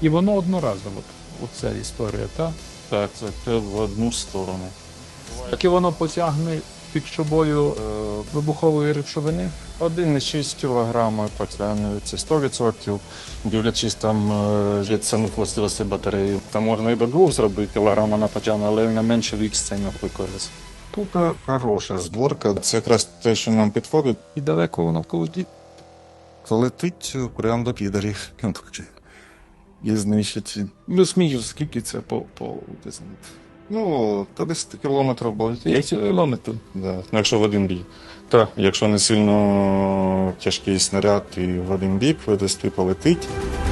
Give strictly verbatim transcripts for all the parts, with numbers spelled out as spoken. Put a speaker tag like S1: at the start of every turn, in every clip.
S1: І воно одноразово, оця історія, так?
S2: Так, це в одну сторону.
S1: Так і воно потягне під собою е, вибухової речовини?
S2: один цілих шість кілограма потягне, це сто відсотків, дивлячись там е, від самих властивостей батареї. Там можна і до двох зробити кілограма на потягне, але на менше вік це не використовується. Тут хороша зборка, це якраз те, що нам підходить.
S1: І далеко воно полетить?
S2: Летить прямо до підарів. І знищить. Ну, смію, скільки це по, по ну, та десь кілометрів буде.
S1: п'ять кілометрів?
S2: Да. Ну, якщо в один бік. Так, якщо не сильно тяжкий снаряд і в один бік видасти полетить.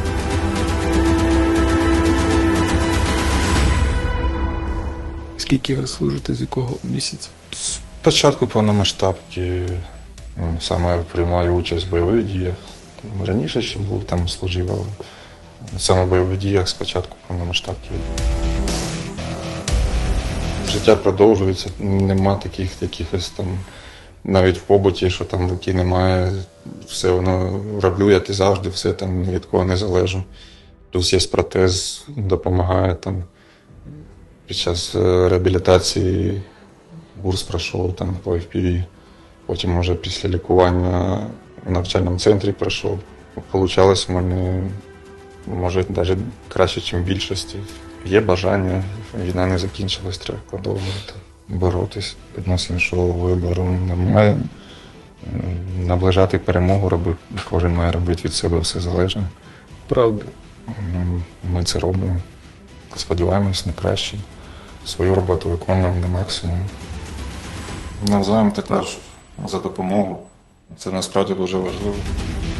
S1: Скільки ви служите, з якого місяця?
S2: Спочатку повномасштабки, ну, саме приймаю участь в бойових діях. Раніше ще був, там служив, але саме в бойових діях спочатку повномасштабки. Життя продовжується, нема таких якихось там, навіть в побуті, що там руки немає, все воно роблю, як і завжди, все там від кого не залежу. Плюс є протез, допомагає там під час реабілітації, курс пройшов там по еф пі ві, потім вже після лікування в навчальному центрі пройшов. Получалось в мене, може, навіть краще, ніж в більшості. Є бажання, війна не закінчилась, треба продовжувати боротись. Відносно іншого вибору немає. Наближати перемогу робити, кожен має робити від себе все залежне.
S1: Правда.
S2: Ми це робимо. Сподіваємось на краще. Свою роботу виконуємо на максимум. Навзаєм також за допомогу. Це насправді дуже важливо.